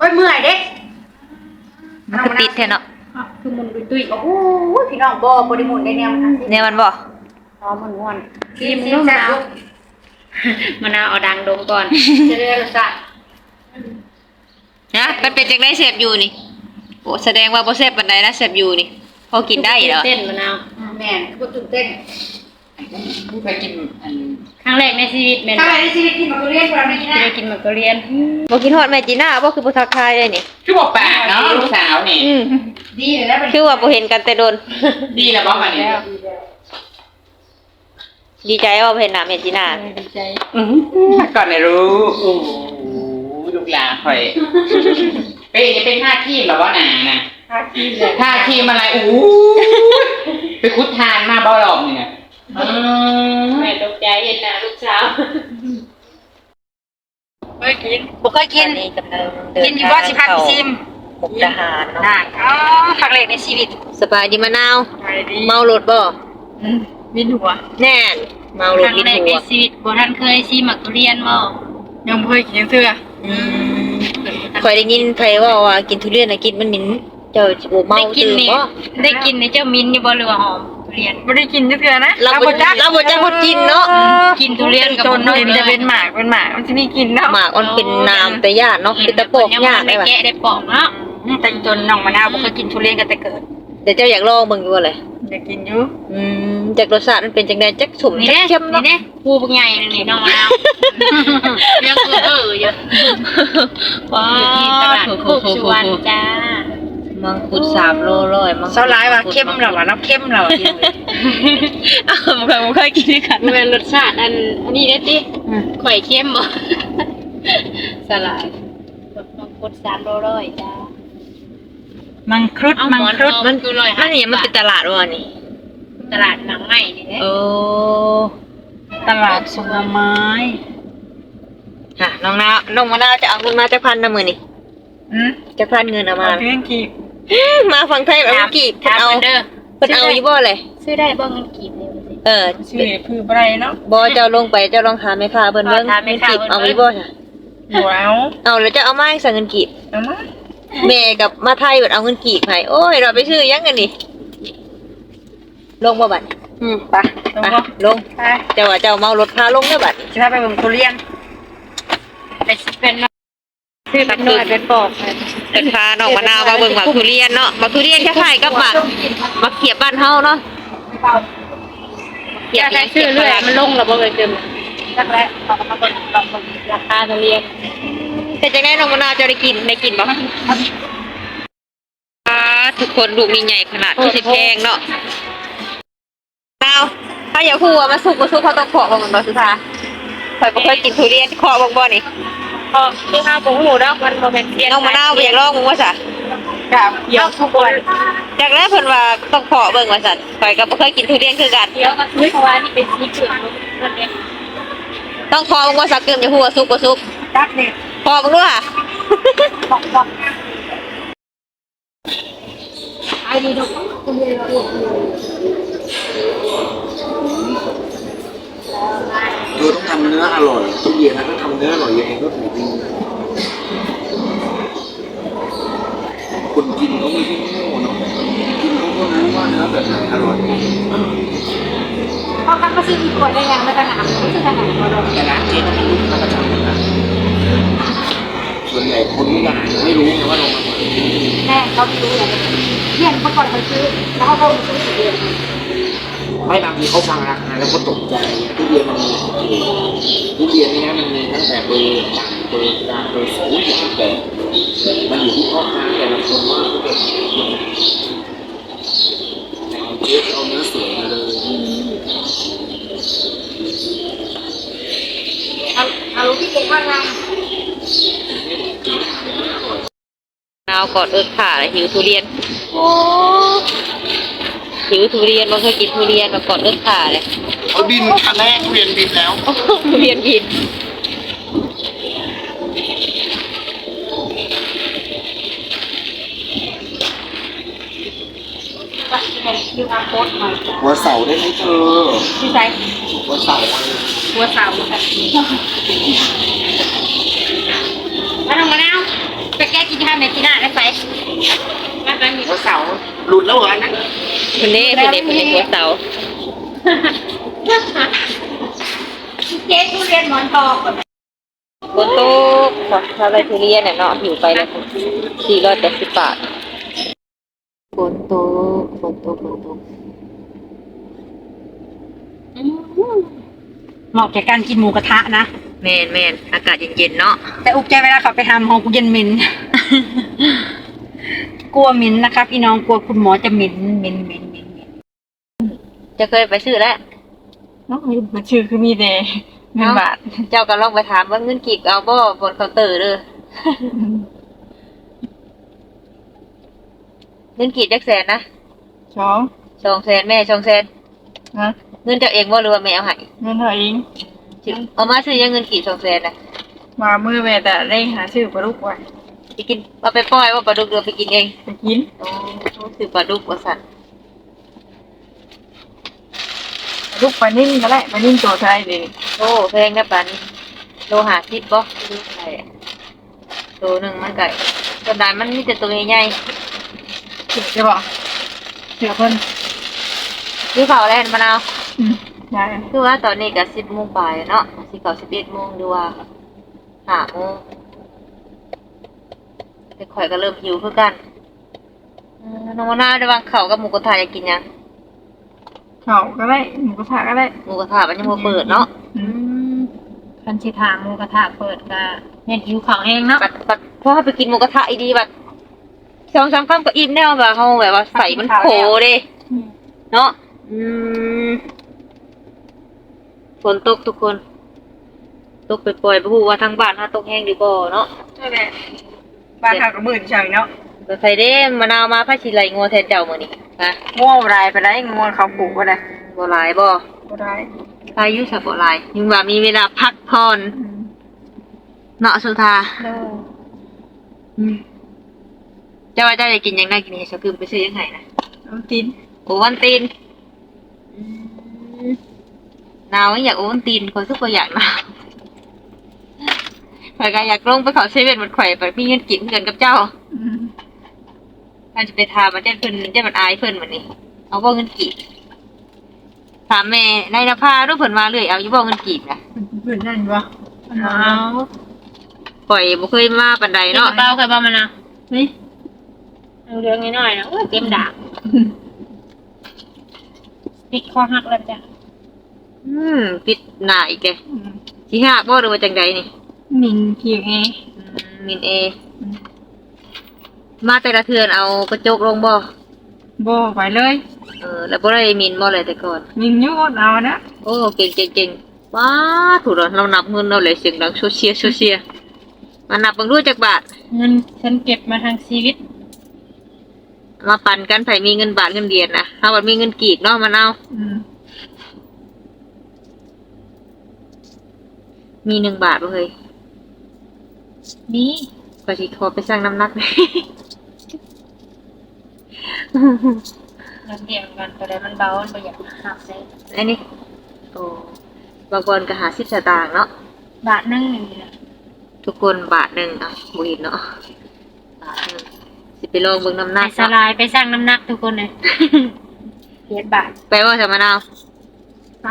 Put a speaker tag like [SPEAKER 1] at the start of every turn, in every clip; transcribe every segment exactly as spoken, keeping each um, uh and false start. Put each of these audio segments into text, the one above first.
[SPEAKER 1] โอ้ยเมื่อยเด็ก
[SPEAKER 2] มันคือติดแท้เนาะ
[SPEAKER 1] คือมันตุ้ยๆโอ้โหพี่น้องบ่บ่ได้หมุนได้แนวมัน
[SPEAKER 2] เนี่ยมันบ่
[SPEAKER 1] อ๋อมันม่วนกินลูกมะนาวมะนาวเอาดังดมก่อนจะได้รสชาติ
[SPEAKER 2] นะมันเป็นจังได๋แซ่บอยู่นี่โอ้แสดงว่าบ่แซ่บปานใดนะแซ่บอยู่นี่พอกินได้เหรอ
[SPEAKER 1] เต้นมะนาวแม่นบ่ตื่นเต้น
[SPEAKER 3] ผู้เคยกินอัน
[SPEAKER 1] ครั้งแรกในชีวิตแม่นครั้งแรกในชีวิตกินมะเขือเทศบ่ได้กินนะกินมะเขือเทศ
[SPEAKER 2] บ่กินฮอดแม่จีน่าบ่คือบ่ทักทายเลยนี่
[SPEAKER 3] คือบ่ปากเนาะลูกสาวนี่
[SPEAKER 2] อืม
[SPEAKER 1] ดีเลยนะ
[SPEAKER 2] คือว่าบ่เห็นกันแต่โดน
[SPEAKER 3] ดีแล้วบ่มานี่
[SPEAKER 2] ดีใจว่าเห็นหน้าแม่จีน่า
[SPEAKER 1] ดีใจ
[SPEAKER 3] อื้อก่อนได้รู้โอ้ลูกหลานข่อยเป็นจะเป็นท่าขี้แบบว่าหนาน่ะ
[SPEAKER 1] ท่าขี้เลย
[SPEAKER 3] ท่าขี้อะไรอู้ไปคุดทานมาบ่หลอกนี่น่ะ
[SPEAKER 1] แม่ตกใจเห็นหน้าลูกสาว
[SPEAKER 2] เคยกินบ่เคยกิน
[SPEAKER 1] กินอยู่บ่สิพาไปชิม
[SPEAKER 2] มุกดาหารเนาะ
[SPEAKER 1] ได้อ๋อครั้งแรกในชีวิต
[SPEAKER 2] สบายดีมะนาวเมารถบ่
[SPEAKER 1] อืมวินหัว
[SPEAKER 2] แน่นเมารถวินหัวครั้งแรกใน
[SPEAKER 1] ชีวิตบ่ทันเคยชิมมักทุเรียนบ่ยังบ่เคยกินจังเทื่ออืม
[SPEAKER 2] ข่อยได้ยินไผว่าว่ากินทุเรียนน่ะกินมันหมิ่นเจ้าสิบ่เมาตื่นบ่
[SPEAKER 1] ได้กินนี่เจ้ามิ้นอยู่บ่หรือว่าหอมทุเรียน
[SPEAKER 4] บ่ได้กินจักเทื่อนะ
[SPEAKER 2] เราบ่จักเราบ่จักคนกินเนาะ
[SPEAKER 1] กินทุเรียนกับ
[SPEAKER 4] ต้นเห็นจะเป็นหมากเป็นหมากมันสิมีกินเนาะ
[SPEAKER 2] หมากมันเป็นน้ำแต่ยากเนาะเป็นตะปอกยากได้
[SPEAKER 1] ว่ะแกะได้ปอกเนาะ
[SPEAKER 4] แต่จนน้องมะนาวบ่เคยกินทุเรียนกันแต่เกิด
[SPEAKER 2] เดี๋ยวเจ้าอยากลองเบิ่งอยู่ว่าเลย
[SPEAKER 4] อยากกินอยู่
[SPEAKER 2] อืมจากรสชาติมันเป็นจังได๋จักสุ่มจักเข้มเนาะ
[SPEAKER 1] นี่ปูบักใหญ่นี่น้องมะนาวยังเออเยอะว้าวตลาดโคกสุวรรณจ้า
[SPEAKER 2] มังคุดสามโลร้อยมัง
[SPEAKER 4] เซาหลายว่าเข้มแล้วว่าน้ำเข้มแล้ว
[SPEAKER 2] อ้าวบ่เคยบ่เคยกินด้วยกัน
[SPEAKER 1] แม่นรสชาติอันอันนี้เด้ติข่อยเข้มบ่สลายมังคุดสามโลร้อยจ้า
[SPEAKER 4] มังคุดมังคุด
[SPEAKER 2] มันคือร้อยมันนี่มันเป็นตลาดว่นี่
[SPEAKER 1] ตลาดหนังใหม่นี่เด้
[SPEAKER 2] โอ้
[SPEAKER 4] ตลาดผลไม้
[SPEAKER 2] ค่ะน้องนาวน้องมะนาวจะเอาเงินมาจักพันนะมื้อนี้
[SPEAKER 4] อือ
[SPEAKER 2] จักพันเงินเอามา
[SPEAKER 4] เงินกีบ
[SPEAKER 2] มาฟังไทยแบบเงินกีบเพิ่นเอาเพิ่นเอาอยู่บ่เลย
[SPEAKER 1] ซื้อได้บ่เงินกีบนี่
[SPEAKER 2] เออ
[SPEAKER 4] ซื้อคือบ่ได้เนาะ
[SPEAKER 2] บ่เจ้าลงไปเจ้าลองถามแม่ค้าเพิ่นเบิ่งเงินกีบเอาอยู่บ่จ้ะ
[SPEAKER 4] บ่เอา
[SPEAKER 2] เอาแล้วจะเอามาให้สั่งเงินกีบ
[SPEAKER 4] เอามา
[SPEAKER 2] แม่กับมาไทยเบิดเอาเงินกีบให้โอ้ยเราไปซื้อยังกันนี่ลงบ่บัด
[SPEAKER 4] อืมไป
[SPEAKER 2] ลงลงเจ้าว่าเจ้าเมารถพาลงเด้อบัด
[SPEAKER 4] สิพาไปเบิ่งทุเรียน
[SPEAKER 1] ไปเป็นซื้อเป็นหน่วยเป็นปอก
[SPEAKER 2] เป็นพาน้องมะนาวมาเบิ่งหมากทุเรียนเนาะหมากทุเรียนคล้ายๆกับหมากมะเขียบบ้านเฮาเนาะ
[SPEAKER 1] อยากได้ซื้อเรื่อยมันลงแล้วบ่เคยเติมจักแล้วเขาก็มาเบิ่งลองเบิ่งราคาทุเรียน
[SPEAKER 2] แต่จังได๋น้องมะนาวจะได้กินได้กินบ่อ่าทุกคนลูกนี่ใหญ่ขนาดที่สิแพงเนาะนาวถ้าอยากฮู้ว่ามันสุกบ่สุกเขาต้องเคาะบ่มันบ่สุธาข่อยบ่เคยกินทุเรียนเคาะบ่บ่นี่
[SPEAKER 1] พอคือข้าวผงหมูดอกมันบ่แม่นเสีย
[SPEAKER 2] น้องมะนาวบ่อยากลองมึงว่าซะ
[SPEAKER 1] กับเดี๋ยวทุกคน
[SPEAKER 2] จากแรกเพิ่นว่าต้องเคาะเบิ่งว่าซั่นข่อยก็บ่เคยกินทุเรียนคือกัน
[SPEAKER 1] เดี๋ยวก็ซื้อเพราะว่านี่เป็นสีเขียวนั่นเอง
[SPEAKER 2] ต้องเคาะบ่ว่าสักเกิมจะฮู้ว่าสุกบ่สุก
[SPEAKER 1] ดักนี่
[SPEAKER 2] เคาะบ่รู้ค่ะ
[SPEAKER 1] บอกๆไอ้นี่ดอกทุเรียนเรา
[SPEAKER 5] เธอต้องทำเนื้ออร่อยทุกเย็นนะถ้าทำเนื้ออร่อยยังไงก็ถูกดีคนกินเขาไม่ใช่โง่เนาะกินเขาก็รู้ว่าเนื้อแบบไหนอร่อย
[SPEAKER 1] พอกันก็ซื้ออีกขวดได้ยังแล้วก็น้ำซื้อขนาดก็ได้
[SPEAKER 5] แต่ร้านเจ๊ก็ไม่รู้มาประจำนะส่วนใหญ่คนไม่ได้ไม่รู้ไงว่าเรามา
[SPEAKER 1] แม่เขาไม่รู้เลยเรียนเมื่อก่อนเขาซื้อแล้วเขาก็ซื้อเอง
[SPEAKER 5] ไม่บางทีเขาฟังราคาแล้วก็ตกใจทุเรียนมันมีทุเรียนนี่นะมันมีตั้งแต่เบอร์ต่ำเบอร์กลางเบอร์สูงอย่างแต่มันอยู่ที่พ่อค้าแต่ละคนว่าเขาจะเอาเจ๊เอาเนื้อสวยมาเลย
[SPEAKER 1] เอาเอาที่เก็บว่างาม
[SPEAKER 2] นาวกอดเอิ้นขาแล้วหิวทุเรียนโอ้หิวทุเรียนบ่เคยกินทุเรียนมากอดเอิ้นขาเลย
[SPEAKER 5] เขาบินคันแรกทุเรียนบินแล้ว
[SPEAKER 2] ทุเรียนบิน
[SPEAKER 5] หัวเสาได้ไหมเธอ
[SPEAKER 1] ที่ไหน
[SPEAKER 5] หัวเสา
[SPEAKER 1] หัวเสาแล้วน้องมะนาวไปแก้กินาเมจิน่าได้ไปมาไปมี
[SPEAKER 5] หัวเสาหลุดแล้วเหรออันนั้น
[SPEAKER 2] คุณเด้คุณเด้คุณเด้หัวเสา
[SPEAKER 1] เจ๊ทุเรียนหมอนทอง
[SPEAKER 2] ฝนตกถ้าไปทุเรียนเนี่ยเนาะอยู่ไปแล้วสี่ร้อยแปดสิบบาทฝนตกฝนตกฝนตก
[SPEAKER 4] เหมาะแก่การกินหมูกระทะนะ
[SPEAKER 2] แมนแมนอากาศเย็นๆเนาะ
[SPEAKER 4] แต่อุกใจเวลาเขาไปทำห้องกูเย็นเหม็น กลัวเหม็นนะครับพี่น้องกลัวคุณหมอจะเหม็นเหม็นเหม็นเหม็นเหม็น
[SPEAKER 2] จะเคยไปซื้อแล้ว
[SPEAKER 4] น้องมันชื่อคือมีแต่เงินบาท
[SPEAKER 2] เจ้าก็ลองไปถามว่าเงินกีบเอาบ่บนเคาน์เตอร์เด้อเงินกีบจักแสนนะ
[SPEAKER 4] สอง
[SPEAKER 2] สองแสนแม่สองแสน
[SPEAKER 4] นะ
[SPEAKER 2] เงินเจ้าเองบ่หรือว่าแม่เอาให้
[SPEAKER 4] เงินเท่าเอง
[SPEAKER 2] เอามาซื้อยังเงินกีบสองแสนน่ะ
[SPEAKER 4] มาเมื่อแม่แต่ได้หาซื้อปลาลูกไว้
[SPEAKER 2] ไปกินเอาไปปล่อยว่าปลาดุกเรือไปกินเอง
[SPEAKER 4] ไปกิน
[SPEAKER 2] โอ้ซื้อปลาดุกว่าสั่น
[SPEAKER 4] ลูกปลานิ่มก็ได้ปลานิ่มตัวไทยเลย
[SPEAKER 2] โอ้แพงนะปานนี้โลห้าสิบบ่ดูไข่โลหนึงมันก็กระดานมันมีแต่ตัวใหญ่
[SPEAKER 4] เสือจะบอกเสือเพิ่น
[SPEAKER 2] ๆคือเผาแล้วมะนาว
[SPEAKER 4] อืมได้
[SPEAKER 2] คือว่าตอนนี้ก็สิบโมงปลายเนาะสิเก้าสิบเอ็ดโมงดูว่าห้าโมงแต่ข่อยก็เริ่มหิวคือกันเออน้องมะนาวได้วางข้าวกับหมูกระทะอยากกินยัง
[SPEAKER 4] เขาก็ได้หมูกระทะก็ได้
[SPEAKER 2] หมูกระทะมันยังบ่เปิดเนาะ
[SPEAKER 4] อืม
[SPEAKER 1] คันสิทางหมูกระทะเปิดก็เฮ็ดหิวของเองเนาะ
[SPEAKER 2] บัดบัดพอไปกินหมูกระทะอีดีบัดสองสามคำก็อิ่มแล้วแบบเฮาแบบว่าใส่มันโผเด้เนาะอืมฝนตกทุกคน ตกไปปล่อยๆบ่ฮู้ว่าทางบ้านเฮาตกแห้งหรือบ่เนาะ
[SPEAKER 4] ใช่แหละบ้านเขาก็มื่นเฉยเนาะ
[SPEAKER 2] ก็ใส่เด้มะนาวมาพาสิไหลงัวแทนเจ้ามื้อนี้ฮะ
[SPEAKER 4] ง่วงรายไปได้ง่วงเขาปลูกก็ได้
[SPEAKER 2] บ่หลายบ่
[SPEAKER 4] ก็ได้
[SPEAKER 2] พายุสับบ่หลายยังว่ามีเวลาพักผ่อนเนาะสุธาอืมเจ้าว่าเจ้าอยากกินหยังได้กินให้ซะคือไปซื้อยังไงนะ
[SPEAKER 4] น้ำตีน
[SPEAKER 2] โอวันตีนอืมหนาวอยากโอวันตีนคนทุกคนอยากหนาวข่อยก็อยากลงไปเขาเซเว่นมันข่อยไปมีเงินกินเงินกับเจ้า
[SPEAKER 4] อืม
[SPEAKER 2] อาจจะไปถามมาเจ้าเพิ่นเจ้ามันอายเพิ่นวันนี้เอาบ่เงินกีบถามแม่นายนภารูปเพิ่นมาเลยเอาอยู่บ่เงินกีบนะ
[SPEAKER 4] เพื่อนนั่นวะ
[SPEAKER 1] เอา
[SPEAKER 2] ข่อยบ่เคยมาปานใด
[SPEAKER 1] เนาะ
[SPEAKER 2] เนาะ
[SPEAKER 1] เปล่าเคยบ่มานะ
[SPEAKER 4] นี่
[SPEAKER 1] เอาเรื่องน้อยๆนะโอ้ยเต็มดาบปิดคอหักแล้วจ้ะ
[SPEAKER 2] อืมปิดหน้าอีกแก
[SPEAKER 4] อืม
[SPEAKER 2] สิหักบ่หรือว่าจังใดนี่
[SPEAKER 4] มินเพียงเอ
[SPEAKER 2] อืมมินเอ มาแต่ละเทือนเอากระจกลงบ่
[SPEAKER 4] บ่ไปเลย
[SPEAKER 2] เออแล้วบ่ได้มินบ่เลยแต่ก่อน
[SPEAKER 4] มินอยูดเอานะ
[SPEAKER 2] โอ้เก่งเก่งเก่งว้าถูกแล้วเรานับเงินเราเลยเสียงดังโซเชียโซเชียมานับเบิ่งดูจักบาท
[SPEAKER 1] เงินฉันเก็บมาทางชีวิต
[SPEAKER 2] มาปั่นกันไผมีเงินบาทเงินเหรียญนะถ้าว่ามีเงินกีบเนาะมันเอา
[SPEAKER 4] อืม
[SPEAKER 2] มีหนึ่งบาทบ่เฮ้ย
[SPEAKER 1] นี่
[SPEAKER 2] ก็สิขอไปสร้างน้ำหนัก
[SPEAKER 1] เราเดียวกันตัวใดมันเบามันบ่อยากหักเลย
[SPEAKER 2] อันนี้โอ้บางคนก็หาสิบสตางค์เนาะ
[SPEAKER 1] บาทหนึงนี่นะ
[SPEAKER 2] ทุกคนบาทหนึ่งอ่ะบ่เห็นเนาะบาทหนึ่งสิไปลองเบิ่งน้ำห
[SPEAKER 1] ไป
[SPEAKER 2] นัก
[SPEAKER 1] สลายไปสร้างน้ำหนักทุกคนเลยเจ็ดบาท
[SPEAKER 2] ไปว่าจะมะนาว
[SPEAKER 4] ไป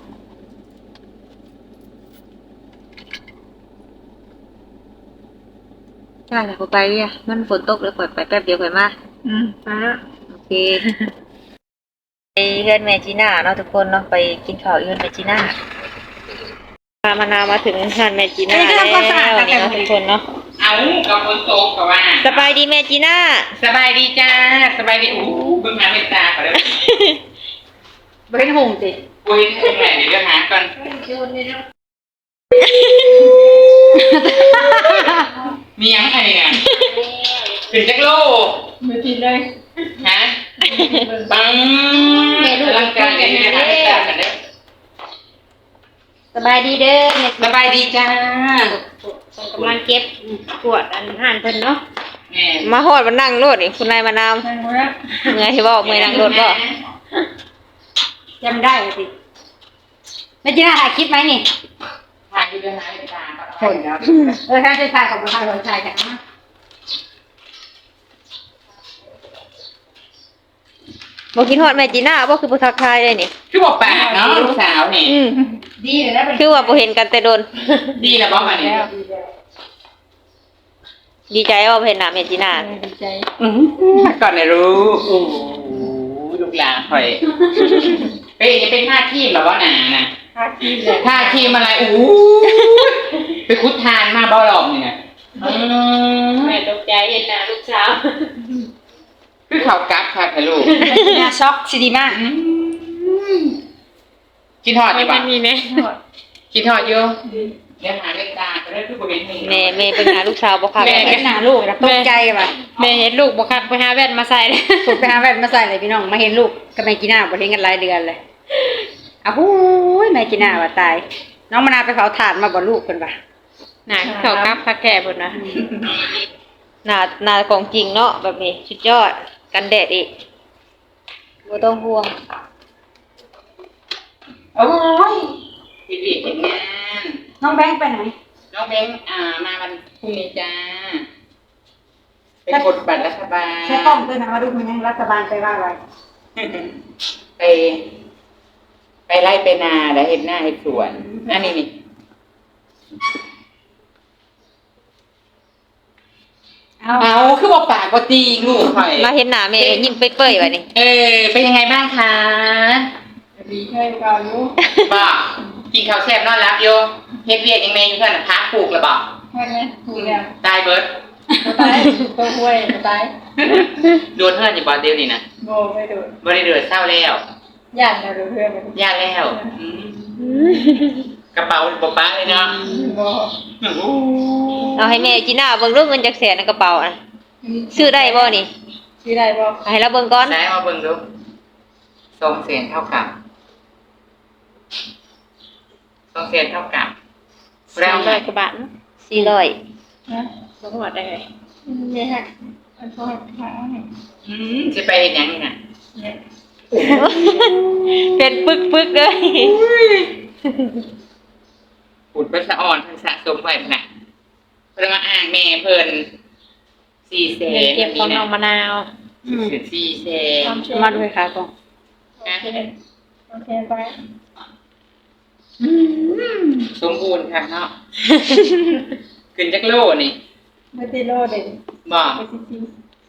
[SPEAKER 2] ใช่แต่พอไปอ่ะมันฝนตกแล้วปล่อยไปแป๊บเดียวค่อยมา
[SPEAKER 4] อืมไปแล้ว
[SPEAKER 2] โอเค ไปเพื่อนแม่จีน่าเนาะทุกคนเนาะไปกินข้าวเพื่อนแม่จีน่าพามานาวมาถึงเพื่อนแม่จีน่าแล้วนี่เนาะทุกคนเนาะ
[SPEAKER 3] เอากับฝนตกกับว่า
[SPEAKER 2] สบายดีแม่จีน่า
[SPEAKER 3] สบายดีจ้าสบายดีอู้เบิ่งหาเป็นตาก่อนเลย
[SPEAKER 4] ไปเป็นหงสิ
[SPEAKER 3] อุ้ยทำไงเดี๋ยวเดี๋ยวหาก่อนมียังไงเนี่ยถึงจักโล
[SPEAKER 4] ไม่กินเลย
[SPEAKER 3] ฮะปังร่างกายเนี่ยหาเป็นตากันเด้อ
[SPEAKER 1] สบายดีเด้อแม่
[SPEAKER 3] สบายดีจ้า
[SPEAKER 1] ส่งกำลังเก็บปวดอันห่านเพิ่นเนาะ
[SPEAKER 3] แม่
[SPEAKER 2] มาฮอดมานั่งรถนี่คุณนายมานาว
[SPEAKER 4] ไปหมดแล้ว
[SPEAKER 2] เมื่อยที่บอกเมื่อยนั่งรถบ่
[SPEAKER 1] จำได้สิแม่จีน่าถ่ายคลิปไหมนี่
[SPEAKER 3] ถ่ายอยู่เดือนหาเป็นตาก่อน
[SPEAKER 1] เออถ้าจะถ่ายของประธานหัวใจกันนะ
[SPEAKER 2] บ่คิดฮอดแม่จีน่าบ่คือบ่ทักทายเลยนี่
[SPEAKER 3] คือบอกแปลกเนาะลูกสาวนี่
[SPEAKER 2] อืม
[SPEAKER 4] ดีเลยนะเป็น
[SPEAKER 2] คือว่าบ่เห็นกันแต่โดน
[SPEAKER 3] ดีแล้วบอกมาเนี่ย
[SPEAKER 2] ดีใจว่าบ่เห็นหน้าแม่จีน่า
[SPEAKER 4] ดีใจ
[SPEAKER 3] ก่อนนะรู้โอ้โหลูกหลานคอยเป้จะเป็นท่าทีมแบบว่าหนานะ
[SPEAKER 4] ค่าที่เลย
[SPEAKER 3] ท่าทีมอะไรอู้ไปคุดทานมาบ่หลอกนี่นะอืม
[SPEAKER 1] แม่ตกใจเห็นหน้าลูกสาว
[SPEAKER 3] คือเขากักค่ะค่ะลูก
[SPEAKER 4] หน้าช็อกสิดีมาก
[SPEAKER 3] คิดทอด
[SPEAKER 1] ไม่
[SPEAKER 3] ดีป่ะ
[SPEAKER 1] มีแน่
[SPEAKER 3] คิดทอดเยอะเดี๋ยวหาเล่นตาก็ได้ทุกคนเห็นนี่
[SPEAKER 2] แม่แม่เป็นหาลูกสาวบ่คัก
[SPEAKER 4] แม่เป็นหน้าลูกนะตกใจว่ะ
[SPEAKER 1] แม่เห็นลูกบ่คักไปหาแว่นมาใส่เลย
[SPEAKER 4] ถูกไปหาแว่นมาใส่เลยพี่น้องมาเห็นลูกกับแม่กีน่าบ่เห็นกันหลายเดือนเลยอ้าวหูยแม่กีน่าว่าตาย น้องมะนาวไปเผาถ่านมาบ่ลูกเพิ่นว่ะ
[SPEAKER 1] หน้าเขากลับคักแก่พุ่นนะ
[SPEAKER 2] หน้าหน้าของจริงเนาะแบบนี้สุดยอดกันแดดอีกบ่ต้องห่วง
[SPEAKER 3] โอ้ยเห็นดีเห็นงาน
[SPEAKER 4] น้องแบงค์ไปไหน
[SPEAKER 3] น้องเบงอ่ามาวันพรุ่งนี้จ้าเป็นกดบัตรรัฐบาล
[SPEAKER 4] ใช้กล้องด้วยนะมาดูมันยังรัฐบาลไปว่าอะไร
[SPEAKER 3] ไป ไปไล่ไปนาแล้วเห็นหน้าเห็นสวนอันนี้นี่
[SPEAKER 4] เอา
[SPEAKER 3] เอาคือบอกปากก็ตีลูกหน่อย
[SPEAKER 2] มาเห็นหน้าแม่ยิ้มเปื่อยๆบัดนี้
[SPEAKER 3] เออเป็นยังไงบ้างคะ
[SPEAKER 4] ดีใช่ก่อนลูก
[SPEAKER 3] บอกกินข้าวแซ่บนอนรับโยเฮ็ดเวียกยังไงอยู่เพื่อนน่ะพักปลูกแล้วบอก
[SPEAKER 4] ใช่ไหมถูกแล้ว
[SPEAKER 3] ตายเบิร์ด
[SPEAKER 4] ตายตัวห้วยตาย
[SPEAKER 3] โดนเพื่อนอยู่บอลเดียวนี่นะ
[SPEAKER 4] โบไม่โดน
[SPEAKER 3] บริเดือดเศร้าแล้ว
[SPEAKER 4] ย่านเราดูเพื่อนมัน
[SPEAKER 3] ยากแล้วอืมกระเป๋าปะป๊าเลยเนาะ
[SPEAKER 4] โบ
[SPEAKER 2] เอาให้แม่จีน่าเบิ่งรูปเงินจักแสนในกระเป๋าน่ะซื้อได้บ่นี่
[SPEAKER 4] ชื่ออะไรบ่
[SPEAKER 2] เอาให้เราเบิ่งก่อน
[SPEAKER 3] ได้มาเบิ่งดูสองเศษเท่ากับสองเศษเท่ากับ
[SPEAKER 1] แล้
[SPEAKER 3] แล้ว ว
[SPEAKER 1] ร้อยกว่าบาทเนาะ
[SPEAKER 2] สี่ร้อย
[SPEAKER 4] นะ
[SPEAKER 1] บ่ฮอดได้เลย
[SPEAKER 4] เนี่ยฮะอันโทษหาให้
[SPEAKER 3] อืมจะไปเห็นยังนี่น่ะ
[SPEAKER 4] เนี่ย
[SPEAKER 2] เป็นปึกๆเลย
[SPEAKER 3] ขุดไปสะอ่อนเพิ่นสะสมไว้น่ะเพิ่นมาอ่างแม่เพิ่นสี่เศ
[SPEAKER 1] เงิน
[SPEAKER 3] ษ
[SPEAKER 1] เก็บของน้องมะนาว
[SPEAKER 3] สิบสี่เศษ
[SPEAKER 4] มาด้วยค่ะกล้อง
[SPEAKER 3] นะ
[SPEAKER 4] โอเคไป
[SPEAKER 3] สมบูรณ์ค่ะเนาะ ขึ้นจักโลนี่
[SPEAKER 4] ไม่ติโลเด่น
[SPEAKER 3] บอก
[SPEAKER 4] ไม่ติที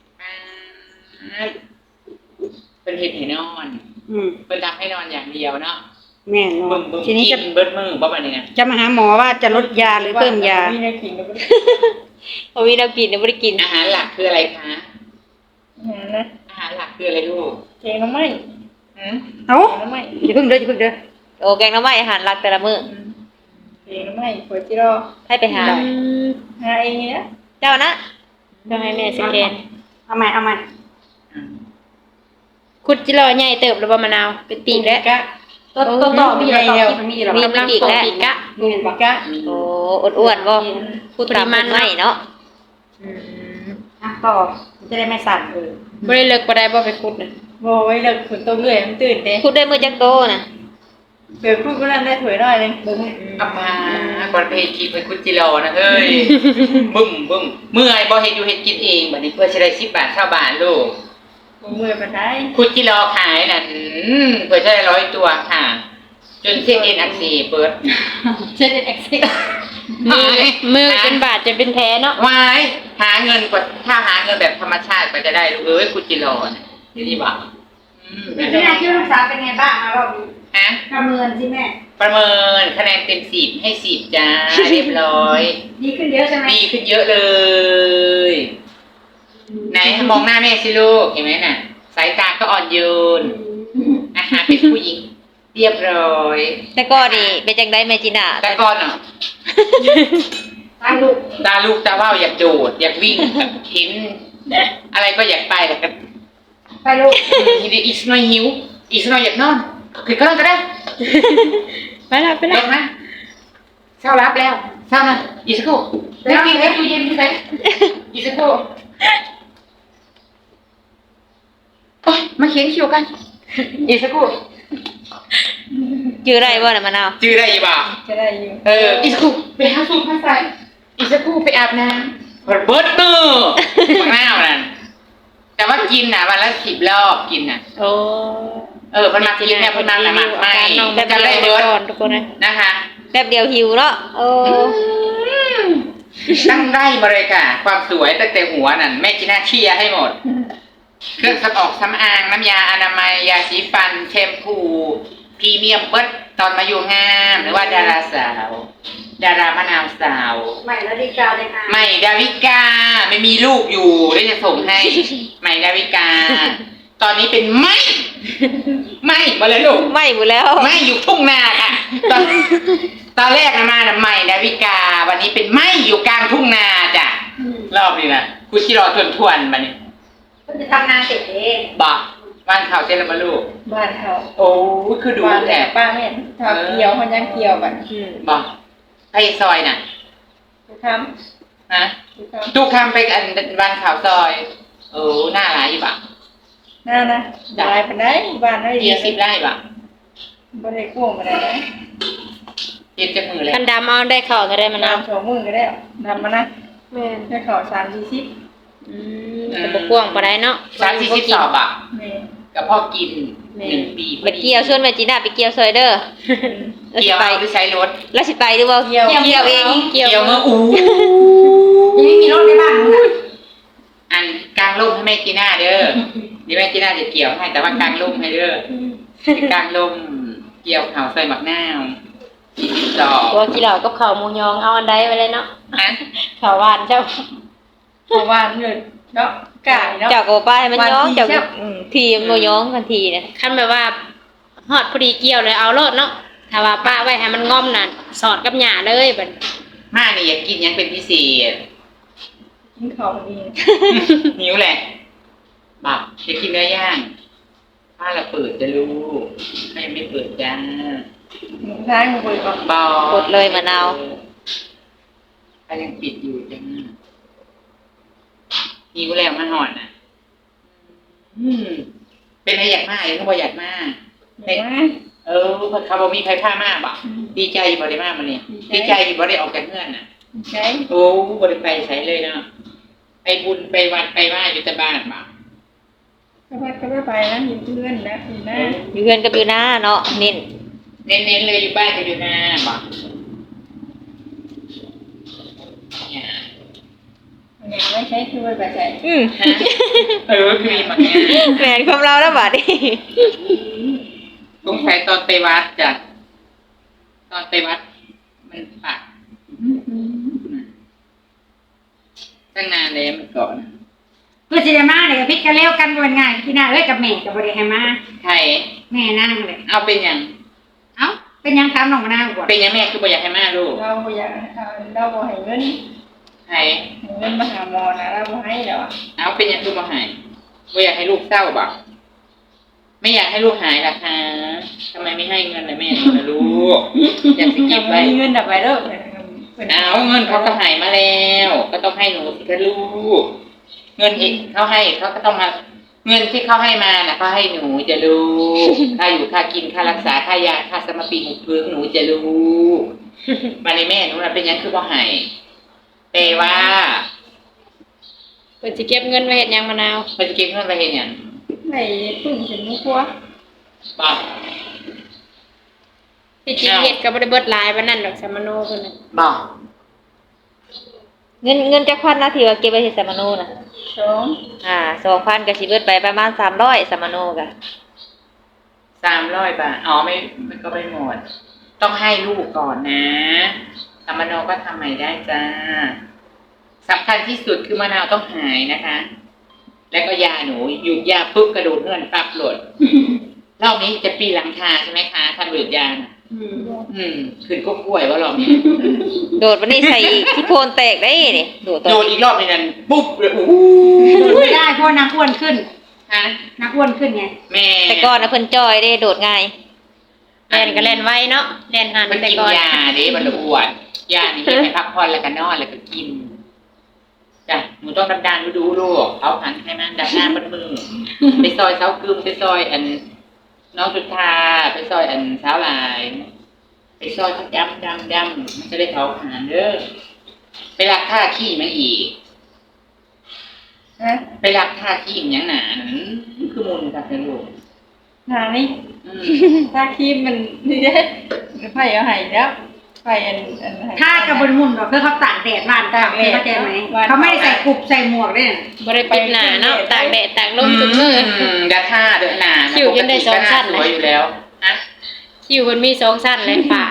[SPEAKER 3] เป็นเห็ดให้นอน
[SPEAKER 4] อืม
[SPEAKER 3] เป็นทำให้นอนอย่างเดียวเนาะ
[SPEAKER 4] แม่นอ
[SPEAKER 3] บึ้
[SPEAKER 4] น
[SPEAKER 3] มบึ้ม
[SPEAKER 4] ทีนี้
[SPEAKER 3] กิ
[SPEAKER 4] จะ
[SPEAKER 3] นเบิดมือบ่แบบนี้นะ
[SPEAKER 4] จะมาหาหมอว่าจะลดยาหรือเพิ่มยา
[SPEAKER 1] มีในขิงก็บ่ได้
[SPEAKER 2] บ่มีแนวกินเดี๋ยวบ่ได้กิน
[SPEAKER 3] อาหารหลักคืออะไรคะ
[SPEAKER 1] นะ
[SPEAKER 3] อาหารหลักคืออะไรลูก
[SPEAKER 1] เจงน้ำไม้
[SPEAKER 3] หืม
[SPEAKER 4] เอ้า
[SPEAKER 1] เจงน้ำไม้
[SPEAKER 4] อย่าเพิ่งเด้ออย่าเพิ่งเด้อ
[SPEAKER 2] โอ้แกงหน่อไม้อาหารหลักแต่ละมื้อ
[SPEAKER 1] เจงน้ำไม้หัวจิโร่
[SPEAKER 2] ให้ไปหา
[SPEAKER 1] หาเองนี่นะ
[SPEAKER 2] เจ้านะ
[SPEAKER 1] ต้องให้แม่สแกน
[SPEAKER 4] เอาใหม่เอาใหม่
[SPEAKER 1] คุดจิโร่ใหญ่เติบแล้วบ่มะนาวเป็นปีกแล้ว
[SPEAKER 4] ตัวตัวต่อมีอะไรต่อที่มันมีหรอ
[SPEAKER 2] มี
[SPEAKER 1] กำลังโตปีกะ
[SPEAKER 4] มีเห็นปะ
[SPEAKER 1] กะ
[SPEAKER 2] โอ้อ้วนๆบ่พูดตาม
[SPEAKER 1] ปริมาณ
[SPEAKER 2] ไม่เนาะ
[SPEAKER 4] อ่ะต่อจะได้ไม่สั่นเลย
[SPEAKER 1] บ่ได้เลิกบ่ได้บ่ไปคุดน่ะ
[SPEAKER 4] โบไว้เลิกฝนตกเรื่อยมันตื่นเด้
[SPEAKER 2] พูดได้มื้อจักโตน่ะ
[SPEAKER 4] เกิดพูดก็นั่นได้ถวยหน่อยนึงเบิ่งให้
[SPEAKER 3] เอามาก่อนไปเฮ็ดกินไปคุดจิโรนะเฮ้ย บึ้มบึ้มเมื่อยบ่เฮ็ดอยู่เฮ็ดกินเองบัดนี้เพื่อสิได้สิบบาทเก้าบาทลูก
[SPEAKER 4] บ่เมื่อยปานใด
[SPEAKER 3] คุดจิโรขายนั่นอืมเพื่อจะได้ร้อยตัวค่ะ จนเส้นเอ็นอักเสบเปิด
[SPEAKER 4] เช่นเอ็กซิ
[SPEAKER 1] มือมือเป็นบาดจะเป็นแผลเนาะ
[SPEAKER 3] วายหาเงินกว่าถ้าหาเงินแบบธรรมชาติก็จะได้ลูกเอ้ยคุดจิโรน่ะนี่ดีบ่อืม
[SPEAKER 4] แม่คิดว่าลูกสาวเป็นไงบ้างอ่ะรอบนี้
[SPEAKER 3] ฮะ
[SPEAKER 4] ประเมินสิแม่
[SPEAKER 3] ประเมินคะแนนเต็มสิบให้สิบจ้า เรียบร้อย
[SPEAKER 4] ดีขึ้นเยอะใช่ไหม
[SPEAKER 3] ดีขึ้นเยอะเลย ไหนมองหน้าแม่สิลูกเห็นไหมน่ะ สายตาก็อ่อนโยนอาหารเป็นผู้หญิง เรียบร้อย
[SPEAKER 2] แต่ก็นี่เป็นจังได๋แม่จีน่า
[SPEAKER 3] แต่ก่อนเนาะ
[SPEAKER 4] ตาลูก
[SPEAKER 3] ตาลูกตาว่าวอยากโดด อยากวิ่งแบบเห็นอะไรก็อยากไปแต่ก็
[SPEAKER 4] ไปลูก
[SPEAKER 3] ทีนี้อีกหน่อยหิว อีกหน่อยอยากนอนคือก็นอนก็ได้
[SPEAKER 1] ไปละไป
[SPEAKER 3] ล
[SPEAKER 1] ละ
[SPEAKER 3] งนะเช้ารับแล้วเช้านะอีกสักครู่ไม่กินให้ตู้เย็นที่ไหนอีกสักครู่โอ๊ยมาเขียนคิวกัน อีกสักครู่
[SPEAKER 2] ชื่อได้บ่น่ะมะนาว
[SPEAKER 3] จื้อได้ยี่บ่า
[SPEAKER 4] จะได้อยู่
[SPEAKER 3] เอออีกสักครู่ไปหาสูตรมาใส่อีกสักครู่ไปอาบน้ำเบิดมือมะนาวนั่นแต่ว่ากินน่ะวันละสิบรอบกินน่ะ
[SPEAKER 2] โอ้
[SPEAKER 3] เออเพิ่นมากินเนี่ยเพิ่นมาละหมักไหม
[SPEAKER 2] น้องแบบ
[SPEAKER 3] จะ
[SPEAKER 2] เดี
[SPEAKER 3] ได้
[SPEAKER 2] ยว
[SPEAKER 3] เบิร์ด
[SPEAKER 2] ก่อนทุกคนเลย
[SPEAKER 3] นะคะ
[SPEAKER 2] แบบเดียวหิวเนาะโอ้
[SPEAKER 3] ตั้งได้บริการความสวยตั้งแต่หัวนั่นแม่จีน่าเชียร์ให้หมด เครื่องสำออกสำอางน้ำยาอนามัยยาสีฟันแชมพูพรีเมียมเบิร์ดตอนมาอยู่งามหรือว่าดาราสาว ดารามะนาวสาว
[SPEAKER 4] ใหม่แล้วดีกาเลยค่ะ
[SPEAKER 3] ใหม่ดาวิกาไม่มีลูกอยู่ได้จะส่งให้ ใหม่ดาวิกา ตอนนี้เป็นไหมไหมมาเลยลูก
[SPEAKER 2] ไม่หมดแล้ว
[SPEAKER 3] ไหมอยู่ทุ่งนาค่ะ ตอนตอนแรกนะมาน่ะใหม่ดาวิกา วันนี้เป็นไหมอยู่กลางทุ่งนาจ้ะรอบนี้นะคุณชิรอทวนทวนๆมานี่
[SPEAKER 4] ก็จะทำงานเสร็จเอง
[SPEAKER 3] บอกบ้านเขาเจริญมาลูก
[SPEAKER 6] บ้านเขา
[SPEAKER 3] โอ้คือดู
[SPEAKER 6] บ้าน
[SPEAKER 3] แอ
[SPEAKER 6] แต่
[SPEAKER 3] บ
[SPEAKER 6] ป้าไม่เห็นทำเกี่ยวมันยังเกี่ยวแบบ
[SPEAKER 2] อืม
[SPEAKER 3] บอกไอ้ซอยน่ะ
[SPEAKER 6] ทุกค
[SPEAKER 3] นะ
[SPEAKER 6] ำทุกค
[SPEAKER 3] ทุกคำไปอันบ้านเขาซอยโอ้หน้าร้ายอยู่ปะ
[SPEAKER 6] ำน่านะบายไปได้บ้านได้
[SPEAKER 3] ยี่สิบไร่ปะ
[SPEAKER 6] บริโภคมาได้นะ
[SPEAKER 3] เย็นจะมือเลย
[SPEAKER 2] คันดำเอาได้เข้าก็ได้มะนาว
[SPEAKER 6] น้ำสองมือก็ได้ทำมานะ
[SPEAKER 2] แม่น
[SPEAKER 6] ได้ข่าวสามสี่สิบ
[SPEAKER 2] อืมแต่บ่กว้างปานใดเนาะ
[SPEAKER 3] สามสี่สิบสอบอ่ะ
[SPEAKER 6] เมย์
[SPEAKER 3] กับพ่อกินหนึ่งปี
[SPEAKER 2] ไปเกี่ยวชวนแม่จีน่าไปเกี่ยวซอยเด้อ
[SPEAKER 3] เกี่ยว
[SPEAKER 2] ไป
[SPEAKER 3] เอาหรือใช้รถ
[SPEAKER 2] แล้วสิไปหรือบ่เกี่ยวเกี่ยวเองเกี่ยว
[SPEAKER 3] เกี่ยวเมื่ออู้
[SPEAKER 4] ยังไม่มีรถในบ้านนู้นน่ะ
[SPEAKER 3] อันกลางร่มให้แม่จีน่าเด้อเดี๋ยวแม่จีน่าจะเกี่ยวให้แต่ว่ากลางร่มให้เด้อกลางร่มเกี่ยวเขาใส่หมักหน้าวสี่สิบสอง
[SPEAKER 2] ตัวกี่เหล่ากับข้าวหมูยองเอาอันใดไว้เลยเนาะ
[SPEAKER 3] ฮะ
[SPEAKER 2] ข้าวหวานเจ้า
[SPEAKER 6] เพราะว่าเงินเนาะกายเนาะ
[SPEAKER 2] เจ้าก็บ่ไปให้มันย้อง
[SPEAKER 6] วันที่
[SPEAKER 2] เจ้า
[SPEAKER 6] เจ้า
[SPEAKER 2] อืมทีมันบ่ย้องกันทีเนี่ยคันแบบว่าฮอดพอดีเกี่ยวเลยเอาโลดเนาะถ้าว่าป้าไว้ให้มันง่อมน่ะสอดกับหญ้าเลยบัด
[SPEAKER 3] มาเนี่ยอยากกินยังเป็นพิเศษ
[SPEAKER 6] กินข้าวดี
[SPEAKER 3] หิวแหละบอกอยากกินเนื้อย่างถ้าเราเปิดจะรู้ถ้ายังไม่เปิดจ้า
[SPEAKER 6] หมูท้ายหมูบริบอก
[SPEAKER 3] บอก
[SPEAKER 2] กดเลยมะนาว
[SPEAKER 3] ถ้ายังปิดอยู่จ้าหิวแล้วมาหอนอ่ะ อืมเป็นอะไรอยากมากยังก็บ่อยากมาก
[SPEAKER 6] เห็นไหม
[SPEAKER 3] เออเพราะเขาบอกมีใครพามากบ่ดีใจอยู่บ่ได้มากมาเนี่ยดีใจอยู่บ่ได้ออกจากเงื่อนน่ะ
[SPEAKER 6] ใช่
[SPEAKER 3] โอ้บ่ได้ไปใช้เลยเนาะไปบุญไปวัดไปไหว้อยู่แต่บ้านบ่
[SPEAKER 6] ก็ไปก็ไปนะอยู่เพื่อนนะอยู่นะ
[SPEAKER 2] อยู่เฮือนกับอยู่หน้าเนาะเน้น
[SPEAKER 3] เน้นๆเลยอยู่บ้านก็อยู่นาบ่เนี่ย
[SPEAKER 6] เนี่ยไม่ใช่คือไปใส่
[SPEAKER 2] อืม
[SPEAKER 3] ฮะเออคือมีมาเนี่ย
[SPEAKER 2] แหวนความเราแล้วบัดนี้
[SPEAKER 3] สงสัยตอนไปวัดจ้ะตอนไปวัด มันปักตั้งนานเลยมันก่อน
[SPEAKER 4] เพื่อสิได้มาเนี่ยก็พิกกันเร็วกันก็เป็นง่ายพี่นาเอ้ยกับแม่กับบริให้มา
[SPEAKER 3] ใคร
[SPEAKER 4] แม่นั่งเลย
[SPEAKER 3] เอาเป็นหยัง
[SPEAKER 4] เอ้าเป็นยังครับน้องมะนาวก่อน
[SPEAKER 3] เป็นหยังแม่คือบ่อยากให้มาลูก
[SPEAKER 6] เราอยากเราบ่ให้เงิน
[SPEAKER 3] ใคร
[SPEAKER 6] ให้เงินมาหาหมอนะเราบ่ให้แล้ว
[SPEAKER 3] เอาเป็นหยังคือบ่ใหายบ่อยากให้ลูกเศร้าบ่ไม่อยากให้ลูกหายล่ะคะทำไมไม่ให้เงินเลยแม่หนูนะลูกอยากสิเก็บไว้
[SPEAKER 6] มีเงินดับไปเด้อ
[SPEAKER 3] เอาเงินเขาก็ใหายมาแล้ว ก็ต้องให้หนูสิคะลูก เงินอีกเขาให้เขาก็ต้องมา เงินที่เขาให้มาน่ะเขาให้หนูจะลูกค่าอยู่ค่ากินค่ารักษาค่ายาค่าสมปีหุบพื้นหนูจะลูกมาในแม่หนูน่ะเป็นหยังคือบ่ใหายแปลว่า
[SPEAKER 2] เพิ่นสิเก็บเงินไว้เฮ็ดหยังมะนาว
[SPEAKER 3] มันจะเก็บเงินไปเห็นหยัง
[SPEAKER 6] ให้ปึ้งถึงมุกัว
[SPEAKER 3] บอก
[SPEAKER 2] ที่จริงเฮ็ดก็บ่ได้เบิดหลายปานนั้นดอกสามโนเพิ่นน่ะ
[SPEAKER 3] บอก
[SPEAKER 2] เงินเงินจักพันนะที่ว่าเก็บไว้เฮ็ดสามโนน่ะ
[SPEAKER 6] สอง
[SPEAKER 2] อ่าสองพันก็สิเบิดไปประมาณสามร้อยสามโนก็
[SPEAKER 3] สามร้อยบาทอ๋อไม่มันก็ไม่หมด ต้องให้ลูกก่อนนะสามโนก็ทำใหม่ได้จ้าสำคัญที่สุดคือมะนาวต้องหายนะคะ แล้วก็ยาหนูหยุดยาปุ๊บกระโดดเงื่อนปั๊บหล่น รอบนี้จะปีหลังคาใช่ไหมคะท่านหยุดยาน่ะอืมขึ้นก็กล้วยว่ารอบนี้
[SPEAKER 2] โดดวันนี้ใส่อีกที่โพนแตกได้นี่โดดตัว
[SPEAKER 3] โดนอีกรอบนึงนั้นปุ๊บเลยโอ้โห
[SPEAKER 4] ไม่ได้เพราะนางอ้วนขึ้น
[SPEAKER 3] ฮะ
[SPEAKER 4] นางอ้วนขึ้นไง
[SPEAKER 3] แม่
[SPEAKER 2] แต่ก่อนน่ะเพิ่นจอยได้โดดง่ายแล่นก็แล่นไวเนาะแล่นหัน
[SPEAKER 3] มัน
[SPEAKER 2] แต่
[SPEAKER 3] กิน
[SPEAKER 2] ก่อน
[SPEAKER 3] ยาดิมันละอ้วนยานี่ให้พักผ่อนแล้วก็นอนแล้วก็กินจ้ะหนูต้องดันๆดูๆลูกเอาหันให้มันดันหน้าบนมือไปซอยเสากึมไปซอยอันน้องสุดทาไปซอยอันสาวลาย ไปซอยดำดำดำมันจะได้เผาผลาญเด้อไปรักท่าขี้มันอีก
[SPEAKER 6] นะ
[SPEAKER 3] ไปรับท่าที่อย่างหนานั่นคือมูลกับเป็นลูก
[SPEAKER 6] หานี่
[SPEAKER 3] อืม
[SPEAKER 6] ถ้าครีมมันนี่เด้ไผ่เอาให้แล้วไผ่อันอันให้
[SPEAKER 4] ถ้ากระบวนมุนก็คือเขาตากแดดบ้านตากแดดเข้าใจไหมเขาไม่ได้ใส่กรุบใส่หมวกด้วย
[SPEAKER 1] บ่ได้ปิดหน้าเนาะตากแดดตากลมทุกมื้อ
[SPEAKER 3] มดัดท่าเดินหนา
[SPEAKER 1] คิ้วยังได้สองชั้น
[SPEAKER 3] สวยอยู่แล้วฮะ
[SPEAKER 1] คิวมันมีสองชั้นเลยป่าน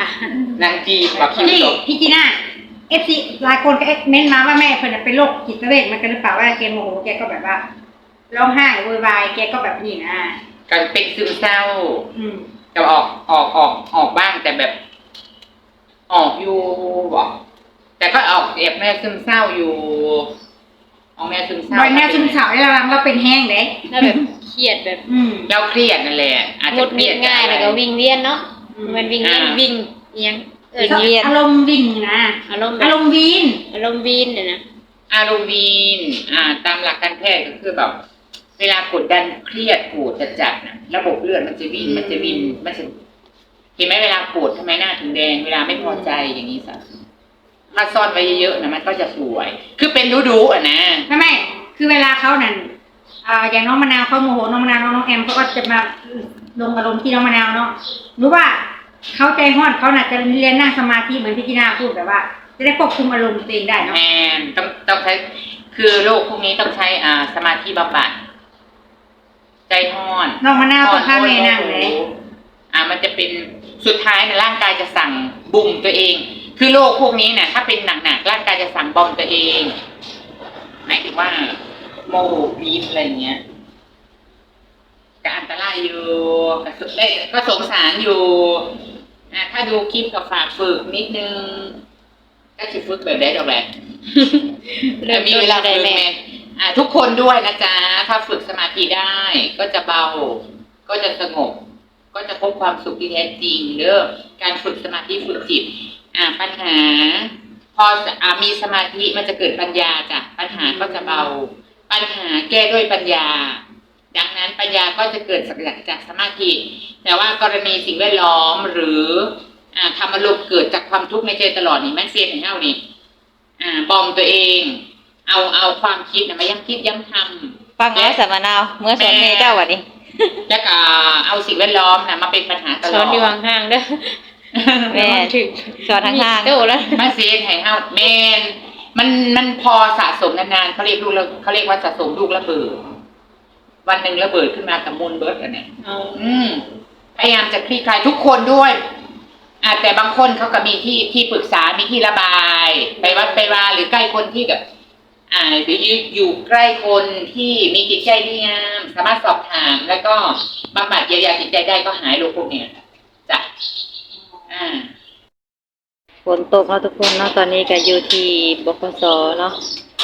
[SPEAKER 3] างจีแบบคิ้ว
[SPEAKER 4] นี่
[SPEAKER 3] ตก
[SPEAKER 4] พี่จีน่าเอฟซีหลายคนก็เม้นมาว่าแม่เพิ่นนะเป็นโรคจิตเวชมันกันหรือเปล่าว่าแกโมโหแกก็แบบว่าร้องไห้โวยวายแกก็แบบนี้นะ
[SPEAKER 3] กันเป็นซึมเศร้า
[SPEAKER 4] อืม
[SPEAKER 3] จะออกออกออกออกบ้างแต่แบบ ออกอยู่บอกแต่ก็ออกแอบแม่ซึมเศร้าอยู่ออกแม่ซึมเศร้า
[SPEAKER 4] บอยแนวซึมเศร้าได้ระวังเราเป็นแห้งเด้
[SPEAKER 1] แล้วแบบเครียดแบบ
[SPEAKER 4] อืม
[SPEAKER 3] เราเครียดนั่นแหละอาจ
[SPEAKER 1] หงุ
[SPEAKER 3] จะ
[SPEAKER 1] ด
[SPEAKER 3] เค
[SPEAKER 1] ห
[SPEAKER 3] รี
[SPEAKER 1] งิ
[SPEAKER 3] ย
[SPEAKER 1] ด
[SPEAKER 3] ด
[SPEAKER 1] ง่ายแล้วก็วิ่งเวียนเนาะมันวิ่งเวียนวิ่งอิหยังเออ
[SPEAKER 2] วิ่งเวียน
[SPEAKER 4] อารมณ์วิ่งนะ
[SPEAKER 1] อารมณ์แบ
[SPEAKER 4] อา
[SPEAKER 1] บ
[SPEAKER 4] รมณ์วีน
[SPEAKER 1] อารมณ์วีนเนี่ยนะ
[SPEAKER 3] อารมณ์วีนอ่า ตามหลักการแพทย์ก็คือแบบ เวลากดดันเครียดปวดจัดๆนะระบบเลือดมันจะวิ่งมันจะวิ่งมันจะเห็นไหมเวลาปวดทำไมหน้าถึงแดงเวลาไม่พอใจอย่างนี้สักถ้าซ่อนไว้เยอะๆนะมันก็จะสวย คือเป็นรู้ๆอ่ะนะ
[SPEAKER 4] ไม่ไม่คือเวลาเขานั่นอ่าอย่างน้องมะนาวเขาโมโหน้องมะนาวน้องแอมเขาก็จะมาลงอารมณ์ที่น้องมะนาวเนาะรู้ว่าเขาใจห้อนเขาน่ะจะเรียนนั่งสมาธิเหมือนพี่จีน่าพูดแบบว่า จะได้ควบคุมอารมณ์ตัวเองได้เนาะ
[SPEAKER 3] แมนต้องต้องใช้ คือโรคพวกนี้ต้องใช้อ่าสมาธิบำบัดใจห้อน
[SPEAKER 4] น้องมะนาวต้องข้ามแม่นั่งเลย
[SPEAKER 3] อ่า มันจะเป็นสุดท้ายนะร่างกายจะสั่งบุ่มตัวเอง คือโรคพวกนี้เนี่ยถ้าเป็นหนักๆร่างกายจะสั่งบอมตัวเองหมายถึงว่าโมโหปี๊ดอะไรเงี้ยก็อันตรายอยู่ก็สุดได้ก็สงสารอยู่อ่าถ้าดูคลิปก็ฝากฝึกนิดนึงก็จะฝึกแบบได้ดอกแหละ
[SPEAKER 1] เริ่ม
[SPEAKER 3] มี
[SPEAKER 1] ต้น
[SPEAKER 3] เวลา
[SPEAKER 1] ได้
[SPEAKER 3] ฝึก
[SPEAKER 1] แม่
[SPEAKER 3] แม่อ่าทุกคนด้วยนะจ๊ะถ้าฝึกสมาธิได้ ก็จะเบา ก็จะสงบ ก็จะพบความสุขที่แท้จริงเด้อการฝึกสมาธิฝึกจิต อ่า ปัญหา พออ่ามีสมาธิมันจะเกิดปัญญาจ้ะปัญหาก็จะเบา ปัญหาแก้ด้วยปัญญา ดังนั้นปัญญาก็จะเกิดจากสมาธิ แต่ว่ากรณีสิ่งแวดล้อมหรือ อ่าทำอารมณ์เกิดจากความทุกข์ในใจตลอดนี่แม่เซียนเห็นเท่านี่อ่าบอมตัวเอง เอาเอาความคิดนะมาย้ำคิดย้ำทำ
[SPEAKER 2] ฟังแล้วสามะนาวเมื่อสอนเมเจ้าวันนี้
[SPEAKER 3] แล้วก็เอาสิ่งแวดล้อมนะมาเป็นปัญหาตล
[SPEAKER 1] ส
[SPEAKER 3] อ
[SPEAKER 1] อ
[SPEAKER 3] ด
[SPEAKER 1] นอยู่ห่างๆเด้อ
[SPEAKER 2] แม่
[SPEAKER 1] ถึง
[SPEAKER 2] สอนทางทาง
[SPEAKER 1] โตแล้ว
[SPEAKER 3] มาเซียนให้เฮาแมนมันมันพอสะสมนานๆเขาเรียกลูกแล้วเขาเรียกว่าสะสมลูกระเบิด วันหนึ่งระเบิดขึ้นมากับมูลเบิร์ดอันเนี้ย
[SPEAKER 1] เอา
[SPEAKER 3] อืมพยายามจะคลี่คลายทุกคนด้วยอ่าแต่บางคนเขาก็มีที่ที่ปรึกษา มีที่ระบาย ไปวัดไปวาหรือใกล้คนที่แบบ อ่าหรืออยู่ใกล้คนที่มีจิตใจดีงามสามารถสอบถาม แล้วก็บำบัดเยียวยาจิตใจได้ก็หายโรคพวกเนี้ยจ้ะอ่า
[SPEAKER 2] ฝนตกเนาะทุกคนเนาะตอนนี้ก็อยู่ที่บกสเนาะ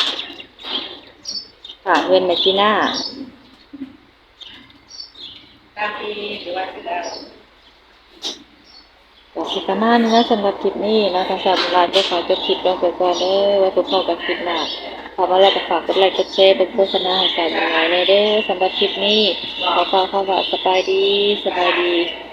[SPEAKER 2] ค่ะเพื่อนแมจิน่า
[SPEAKER 3] ตามที่หรือว่าคือเรา
[SPEAKER 2] ก็สิประมาณนี้นะสำหรับคลิปนี้เนาะทางสามร้านจะขอจบคลิปลงไปก่อนเด้อไว้พบกันคลิปหน้าขอมาแล้วก็ฝากกดไลค์กดแชร์เป็นโฆษณาให้สาวยังไงเด้อสำหรับคลิปนี้ขอฝากคำว่าสบายดีสบายดี